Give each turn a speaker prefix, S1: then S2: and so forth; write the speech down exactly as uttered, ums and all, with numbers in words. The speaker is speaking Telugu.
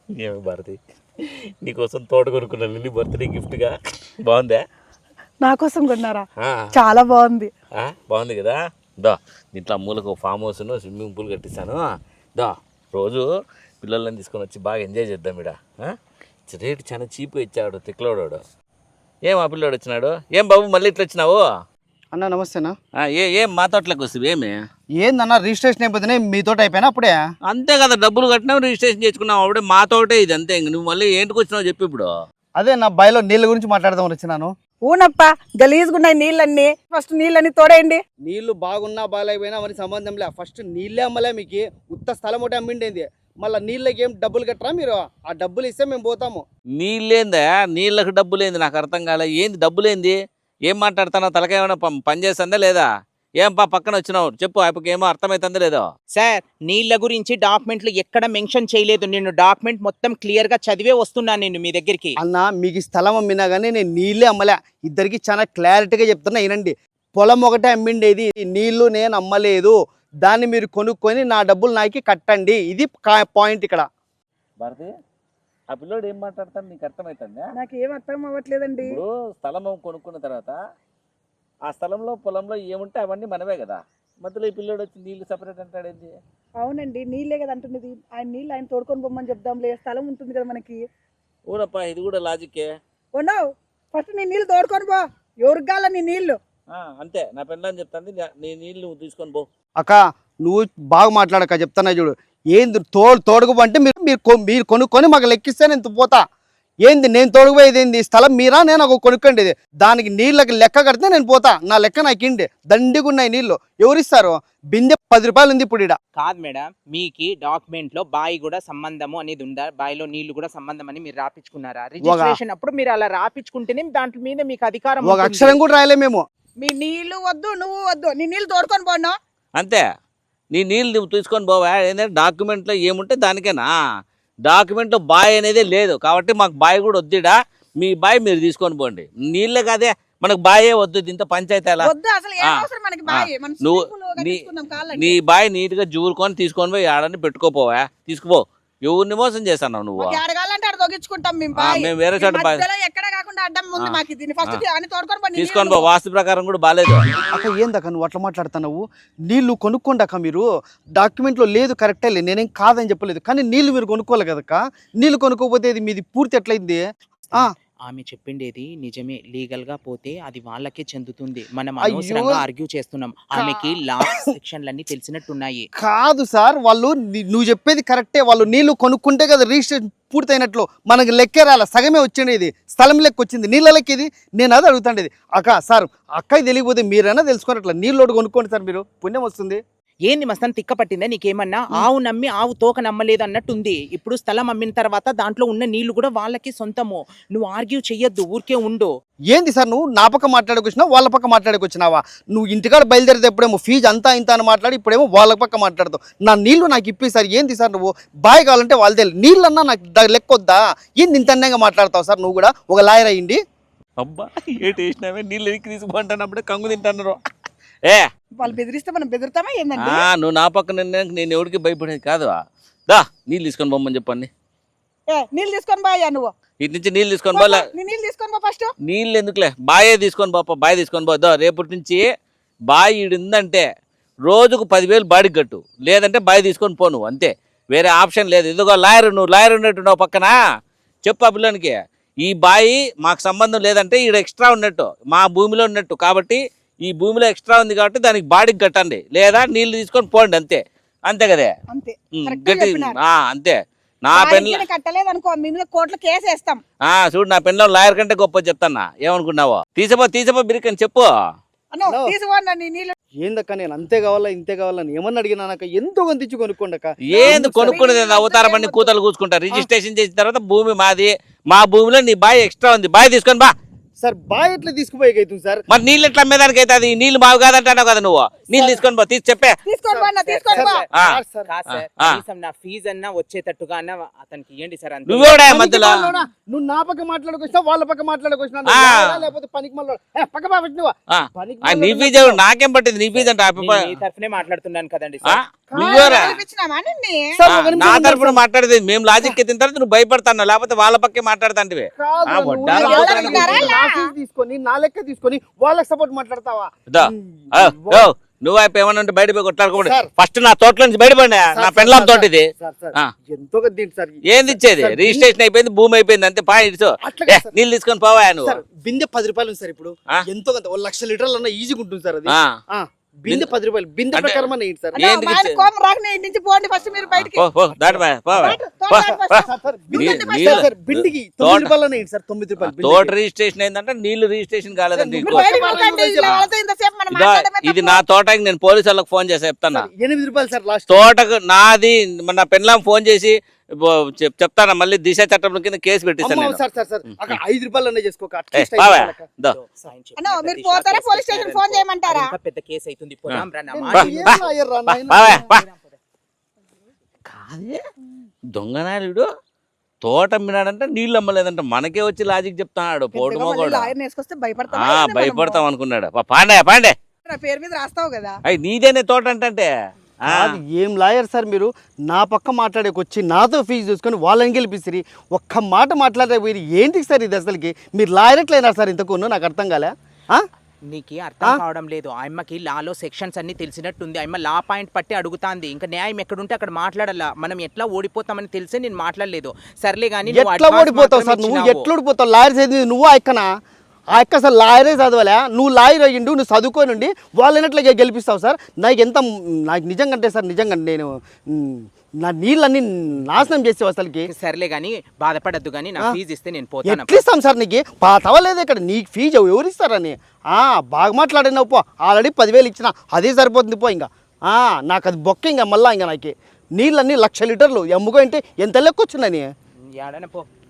S1: ఏమి భారతి నీకోసం తోట కొనుక్కున్నా లిల్లీ బర్త్డే గిఫ్ట్గా. బాగుందా?
S2: నా కోసం కొన్నారా? చాలా బాగుంది.
S1: బాగుంది కదా. దా దీంట్లో మూలకు ఫామ్ హౌస్ స్విమ్మింగ్ పూల్ కట్టిస్తాను. దా రోజు పిల్లలని తీసుకొని వచ్చి బాగా ఎంజాయ్ చేద్దాం. ఇడ రేటు చాలా చీప్గా ఇచ్చాడు తిక్లోడు. ఏం ఆ పిల్లోడు వచ్చినాడు? ఏం బాబు మళ్ళీ ఇట్లా వచ్చినావు?
S3: అన్న నమస్తేనా.
S1: ఏ ఏం మా తోటలోకి వస్తుంది ఏమి?
S3: ఏందన్నా రిజిస్ట్రేషన్ అయిపోతున్నాయి మీ తోట అయిపోయినా అప్పుడే?
S1: అంతే కదా, డబ్బులు కట్టినావు రిజిస్ట్రేషన్ చేసుకున్నావు అప్పుడే మా తోటే ఇది. అంతే ఇంక నువ్వు మళ్ళీ ఏంటికి వచ్చినావు చెప్పి ఇప్పుడు.
S3: అదే నా బాయిలో నీళ్ళ గురించి మాట్లాడదాం వచ్చినాను.
S2: ఊనప్ప గలీజుగున్నాయి నీళ్ళన్నీ. ఫస్ట్ నీళ్ళని తోడేయండి.
S3: నీళ్లు బాగున్నా బాగాలేకపోయినా మరి సంబంధం లే. ఫస్ట్ నీళ్ళే అమ్మలే మీకు. ఉత్త స్థలం ఒకటి అమ్మిండేది. మళ్ళీ నీళ్ళకి ఏం డబ్బులు కట్టరా మీరు? ఆ డబ్బులు ఇస్తే మేము పోతాము.
S1: నీళ్ళేందా? నీళ్ళకి డబ్బులేంది? నాకు అర్థం కాలే. ఏంది డబ్బులేంది? ఏం మాట్లాడుతున్నావు? తలకాయ ఏమైనా పని చేస్తుందా లేదా? ఏం పా పక్కన వచ్చినావు చెప్పు. ఆయనకి ఏమో అర్థమవుతుందా లేదో?
S4: సార్ నీళ్ళ గురించి డాక్యుమెంట్లు ఎక్కడ మెన్షన్ చేయలేదు. నేను డాక్యుమెంట్ మొత్తం క్లియర్ గా చదివే వస్తున్నాను నేను మీ దగ్గరికి.
S3: అన్న మీకు స్థలం అమ్మినా కానీ నేను నీళ్ళే అమ్మలే. ఇద్దరికి చాలా క్లారిటీగా చెప్తున్నా వినండి. పొలం ఒకటే అమ్మిండేది, నీళ్లు నేను అమ్మలేదు. దాన్ని మీరు కొనుక్కొని నా డబ్బులు నాకు కట్టండి. ఇది పాయింట్ ఇక్కడ.
S1: భారతి ఆ పిల్లోడు ఏం మాట్లాడతాను నీకు అర్థమవుతుందా?
S2: నాకు ఏం అర్థం అవ్వట్లేదండి.
S1: ఇప్పుడు స్థలం కొనుక్కున్న తర్వాత ఆ స్థలంలో పొలంలో ఏముంటే అవన్నీ మనమే కదా. మధ్యలో ఈ పిల్లోడు వచ్చి నీళ్లు సపరేట్ అంటాడేంటి?
S2: అవునండి నీళ్ళే కదా అంటున్నది. ఆయన నీళ్ళు ఆయన తోడుకొని పోమని చెప్దాంలే. స్థలం ఉంటుంది కదా మనకి.
S1: ఊరప్ప ఇది కూడా లాజిక్కే.
S2: ఓనో ఫస్ట్ నీ నీళ్ళు తోడుకొని పో. ఎవరికి కాల నీ నీళ్ళు?
S1: అంతే నా పెళ్ళని చెప్తాను. నీ నీళ్ళు తీసుకొని పో.
S3: అక్క నువ్వు బాగా మాట్లాడక చెప్తానా చూడు. ఏంది తోడు తోడుకు అంటే మీరు మీరు మీరు కొనుక్కొని మాకు లెక్కిస్తే నేను పోతా. ఏంది నేను తోడుకుపోయేది? ఏంది స్థలం మీరా నేను ఒక కొనుక్కోండి. దానికి నీళ్ళకి లెక్క కడితే నేను పోతా. నా లెక్క నాకు ఇండి దండిగా ఉన్నాయి నీళ్ళు. ఎవరిస్తారు? బిందె పది రూపాయలు ఉంది ఇప్పుడు. ఇడ
S4: కాదు మేడం, మీకు డాక్యుమెంట్ లో బాయి కూడా సంబంధము అనేది ఉందా? బాయిలో నీళ్లు కూడా సంబంధం అని మీరు రాపించుకున్నారా? రిజిస్ట్రేషన్ అప్పుడు మీరు అలా రాపించుకుంటేనే దాంట్లో మీద మీకు అధికారం.
S3: ఒక అక్షరం కూడా రాయలే మేము.
S2: మీ నీళ్లు వద్దు, నువ్వు వద్దు. నీ నీళ్ళు తోడుకొని పోను.
S1: అంతే. నీ నీళ్ళు నువ్వు తీసుకొని పోవా. ఏంటంటే డాక్యుమెంట్లో ఏముంటే దానికేనా. డాక్యుమెంట్లో బాయ్ అనేది లేదు కాబట్టి మాకు బాయ్ కూడా వద్దుడా. మీ బాయ్ మీరు తీసుకొని పోండి. నీళ్ళే కాదే మనకు బాయే వద్దు. దీంతో పంచాయతీ అలా నువ్వు నీ బాయ్ నీట్గా జూరుకొని తీసుకొని పోయి ఆడని పెట్టుకోపోవా. తీసుకుపో. ఎవరిని మోసం చేస్తావు నువ్వు? మేము వేరే చోట తీసుకొని పో. వాస్తు ప్రకారం కూడా బాగాలేదు.
S3: అక్క ఏందక్క నువ్వు అట్లా మాట్లాడుతున్నావు? నీళ్లు కొనుక్కోండి అక్క మీరు. డాక్యుమెంట్లో లేదు కరెక్టే లేదు, నేనేం కాదని చెప్పలేదు. కానీ నీళ్లు మీరు కొనుక్కోవాలి కదక్క. నీళ్లు కొనుక్కోపోతే ఇది మీది పూర్తి ఎట్లయింది?
S4: ఆమె చెప్పిండేది నిజమే. లీగల్ గా పోతే అది వాళ్ళకే చెందుతుంది. మనం అనవసరంగా ఆర్గ్యూ చేస్తున్నాం. ఆమెకి లా సెక్షన్లన్నీ తెలిసినట్టున్నాయి.
S3: కాదు సార్, వాళ్ళు నువ్వు చెప్పేది కరెక్టే. వాళ్ళు నీళ్లు కొనుక్కుంటే కదా రిజిస్ట్రేషన్ పూర్తయినట్లు. మనకు లెక్కే రాల, సగమే వచ్చిండేది. స్థలం లెక్క వచ్చింది, నీళ్ళ లెక్క ఇది. నేను అది అడుగుతాండేది. అక్క సార్ అక్కకి తెలియకపోతే మీరైనా తెలుసుకోండి. అట్లా నీళ్ళు కొనుక్కోండి సార్, మీరు పుణ్యం వస్తుంది.
S4: ఏంది మస్తాన్ తిక్క పట్టిందా నీకేమన్నా? ఆవు నమ్మి ఆవు తోక నమ్మలేదు అన్నట్టుంది. ఇప్పుడు స్థలం అమ్మిన తర్వాత దాంట్లో ఉన్న నీళ్లు కూడా వాళ్ళకి సొంతము. నువ్వు ఆర్గ్యూ చెయ్యొద్దు, ఊరికే ఉండు.
S3: ఏంది సార్ నువ్వు నా పక్క మాట్లాడుకొచ్చినావు, వాళ్ళ పక్క మాట్లాడుకొచ్చినావా? నువ్వు ఇంటికాడ బయలుదేరితే ఎప్పుడేమో ఫీజు అంతా ఇంత అని మాట్లాడి ఇప్పుడేమో వాళ్ళ పక్క మాట్లాడతావు. నా నీళ్లు నాకు ఇప్పి సార్. ఏంది సార్ నువ్వు? బాయ్ కావాలంటే వాళ్ళదే. నీళ్ళన్నా నాకు లెక్కొద్దా? ఏంది ఇంత అన్నంగా మాట్లాడతావు సార్? నువ్వు కూడా ఒక లాయర్ అయ్యింది.
S1: అబ్బా ఏటి వేసినావే? నీళ్ళు ఎక్కి తీసుకుంటానప్పుడే కంగు తింటున్నారు. ఏ
S2: వాళ్ళు బెదిరిస్తే మనం బెదిరితామా ఏందండి?
S1: నువ్వు నా పక్కన నేను ఎవరికి భయపడేది కాదు. దా నీళ్ళు తీసుకొని పోమని చెప్పండి.
S2: ఏ నీళ్ళు తీసుకొని బాయా నువ్వు?
S1: ఇటు నుంచి నీళ్ళు తీసుకొని పోలే.
S2: నీళ్ళు తీసుకొని పో ఫస్ట్.
S1: నీళ్ళు ఎందుకులే, బాయే తీసుకొని పోప. బాయ్ తీసుకొని పోద్దా. రేపటి నుంచి బాయ్ ఈడుందంటే రోజుకు పదివేలు బాడికి కట్టు, లేదంటే బాయ్ తీసుకొని పో. నువ్వు అంతే, వేరే ఆప్షన్ లేదు. ఇదిగో లాయర్, నువ్వు లాయర్ ఉన్నట్టున్నావు పక్కన. చెప్పు ఆ పిల్లనికి ఈ బాయి మాకు సంబంధం లేదంటే ఈడ ఎక్స్ట్రా ఉన్నట్టు, మా భూమిలో ఉన్నట్టు. కాబట్టి ఈ భూమిలో ఎక్స్ట్రా ఉంది కాబట్టి దానికి బాడీకి కట్టండి, లేదా నీళ్లు తీసుకొని పోండి. అంతే అంతే కదే. గట్టి అంతే. నా పెన్ను
S2: కట్టలేదు అనుకో, మీ మీద కోర్టులో కేసు వేస్తాం.
S1: చూడు నా పెన్లో లాయర్ కంటే గొప్ప చెప్తానా. ఏమనుకున్నావో? తీసపో తీసపో బిరికని చెప్పు.
S3: ఏందక్క నేను అంతే కావాలా ఇంతే కావాలని ఏమన్నా అడిగినాక ఎంతో కొంత కొనుక్కోండి అక్క.
S1: ఏంది కొనుక్కునేది? అవతారమని కూతలు కూర్చుకుంటా. రిజిస్ట్రేషన్ చేసిన తర్వాత భూమి మాది, మా భూమిలో నీ బాయ్ ఎక్స్ట్రా ఉంది, బాయ్ తీసుకొని బా.
S3: సార్ బాయ్ ఎట్లా తీసుకుపోయేకైతుంది సార్?
S1: మరి నీళ్ళు ఎట్లా అమ్మేదానికి అవుతుంది? నీళ్ళు బాగు కాదంటావు కదా నువ్వు. నీళ్ళు తీసుకొని పో. తీసి చెప్పే.
S4: నా ఫీజు అన్నా వచ్చేటట్టుగా అన్న అతనికి ఇవ్వండి సార్.
S1: నువ్వే మధ్యలో
S3: నువ్వు నా పక్క మాట్లాడుకొచ్చినా వాళ్ళ పక్క మాట్లాడుకొచ్చినా లేకపోతే పనికి మళ్ళీ
S1: నీ ఫీజు నాకేం పట్టింది? నీ ఫీజు అంటే
S4: తరఫునే మాట్లాడుతున్నాను కదండి సార్.
S1: నువ్వేరా
S2: కల్పించినామా నిన్ను?
S3: సార్,
S1: ఆ,
S3: ఒక నిమిషం
S1: నా
S3: ఉండండి
S1: తరపున
S3: సార్.
S1: మాట్లాడేది మేము లాజిక్ ఎత్తిన తర్వాత నువ్వు భయపడతాను, లేకపోతే వాళ్ళ పక్కే మాట్లాడతాంటివి
S3: కాదు,
S1: ఆ,
S3: నువ్వు
S1: వడ్డానం
S3: నా
S1: కొడతాను
S3: లెక్క
S2: అనుకుంటున్నా.
S3: నా ఫీజు తీసుకొని నా లెక్క తీసుకొని వాళ్ళకి సపోర్ట్ మాట్లాడతావా?
S1: దో,
S3: ఉమ్,
S1: ఓ, ఓ, నువ్వు అయిపోయి ఏమన్నా ఉంటే బయట పోయి కొట్లాడుకోండి.
S3: సార్.
S1: ఫస్ట్ నా తోటలో నుంచి బయటపడి
S3: సార్,
S1: నా
S3: సార్,
S1: పెండ్లాం
S3: సార్,
S1: తోట ఇది
S3: సార్, సార్,
S1: ఆ.
S3: ఎంతో కొద్ది ఏంటి సార్?
S1: ఏంది ఇచ్చేది?
S3: సార్,
S1: రిజిస్ట్రేషన్ అయిపోయింది, భూమి అయిపోయింది, అంతే పా ఇటు
S3: అట్లా
S1: ఏ,
S3: కాదు సార్.
S1: నీళ్ళు తీసుకొని పోవా నువ్వు
S3: సార్, బిందె పది రూపాయలు ఉంది సార్ ఇప్పుడు.
S1: ఆ?
S3: ఎంతో కొంత ఒక లక్ష లీటర్లు అన్న ఈజీగా ఉంటుంది సార్ అది.
S1: ఆ.
S3: ఆ, బిందె పది రూపాయలు బిందె
S1: అంటే-
S3: ప్రకారం అన్న ఏంటి సార్?
S2: అన్నా,
S1: ఏంది
S2: మా ఆయన
S1: ఇచ్చే-
S2: కోపం రాకనే ఇంటి నుంచి పోండి ఫస్ట్ మీరు బయటికి.
S1: పో, పో, దాటి పో, పో.
S2: తోట
S1: పో,
S2: దాటి
S1: పో.
S2: ఫస్ట్.
S3: సార్, సార్,
S1: నీ-
S3: బిందె-
S1: నీళ్ళు-
S3: సార్, సార్, బిందెకి
S1: తోట-
S3: తొమ్మిది రూపాయలు అన్న ఏంటి సార్? తొమ్మిది రూపాయలు బిందెకి.
S1: తోట రిజిస్ట్రేషన్ అయిందంటే నీళ్లు రిజిస్ట్రేషన్ కాలేదంటే
S3: సార్,
S1: నీకు.
S2: మీరు బయటికి వెళ్ళకండి, ఇలా వాళ్ళతో ఇంతసేపు మనం
S1: ఇదో
S2: మాట్లాడమే
S1: ఇది
S2: తప్పు.
S1: నా తోటకి నేను పోలీసు వాళ్ళకి ఫోన్ చేసి చెప్తాను.
S3: సార్, ఎనిమిది రూపాయలు సార్ లాస్ట్.
S1: తోటకు నాది మన పెన్లాం ఫోన్ చేసి బో- చెప్- చెప్తాను, మళ్ళీ దిశ చట్టం కింద కేసు పెట్టిస్తాను
S3: అమ్మ,
S1: నేను.
S3: సార్ సార్ సార్ అక్కడ ఐదు రూపాయలు అన్న చేసుకోక
S1: ఏ,
S3: అట్లీస్ట్ ఐదు
S1: బావా,
S3: రూపాయలక.
S1: దో.
S2: అన్నా, మీరు పోతారా పోలీస్ స్టేషన్ ఫోన్ చేయమంటారా?
S4: ఇంకా పెద్ద కేసు అవుతుంది పోదాం రా, నా
S1: బా,
S4: మాట
S3: ఏం
S4: విను.
S1: బా.
S3: లాయర్ రా
S1: బా,
S3: నాయనా?
S1: బావా, బా. కాదే దొంగనాయుడు తోట అమ్మినాడంటే నీళ్ళు అమ్మలేదంట, మనకే వచ్చి లాజిక్ చెప్తున్నాడు పోటు
S2: పెద్దగా మళ్ళీ
S1: మోగోడు.
S2: లాయర్ని వేసుకొస్తే భయపడతావా?
S1: ఆ,
S2: ఏంది మనము?
S1: భయపడతాం అనుకున్నాడు. పా, పాండే పాండే
S2: నా పేరు మీద రాస్తావు కదా.
S1: అయ్యి నీదేనే తోట అంటే ఆ,
S3: అది ఏం లాయర్ సార్ మీరు? నా పక్క మాట్లాడేకి వచ్చి నాతో ఫీజు చూసుకొని వాళ్ళని గెలిపిస్తారు. ఒక్క మాట మాట్లాడే మీరు ఏంటి సార్ ఇది అసలుకి? మీరు లాయర్ ఎట్లయినారు సార్ ఇంతకు? నాకు అర్థం కాలే. ఆ?
S4: నీకు అర్థం కావడం లేదు. ఆయమ్మకి లాలో సెక్షన్స్ అన్ని తెలిసినట్టుంది. ఆయమ్మ లా పాయింట్ పట్టి అడుగుతాంది. ఇంకా న్యాయం ఎక్కడుంటే అక్కడ మాట్లాడాలా. మనం ఎట్లా ఓడిపోతామని తెలిసే నేను మాట్లాడలేదు. సర్లే కానీ నువ్వు
S3: ఎట్లా
S4: advance
S3: ఓడిపోతావు సార్?
S4: మాత్రమే
S3: నువ్వు
S4: ఇచ్చినావు.
S3: ఎట్లా ఓడిపోతావు? లాయర్ చదివి నువ్వు ఎక్కనా? ఆ ఎక్క అసలు లాయరే చదవలే. నువ్వు లాయర్ అయ్యిండు, నువ్వు చదువుకొని ఉండి వాళ్ళని ఎట్లా గెలిపిస్తావు సార్? నాకు ఎంత నాకు నిజంగా అంటే సార్, నిజంగా నేను మ్, నా నీళ్ళన్నీ నాశనం చేసావు అసలుకి.
S4: సర్లే కానీ బాధపడద్దు కానీ నా ఫీజు ఇస్తే నేను పోతాను.
S3: ఎట్లా ఇస్తాం సార్ నీకు? పాతవలేదు ఇక్కడ నీకు ఫీజు ఎవరు ఇస్తారని? ఆ, బాగా మాట్లాడినావు పో. ఆల్రెడీ పదివేలు ఇచ్చిన, అదే సరిపోతుంది పో. ఇంకా ఆ, నాకు అది బొక్క. ఇంకా మళ్ళా ఇంకా నాకు నీళ్ళన్నీ లక్ష లీటర్లు ఎమ్ముగా అంటే ఎంత లెక్క వచ్చిందని.
S4: ఏడన పో.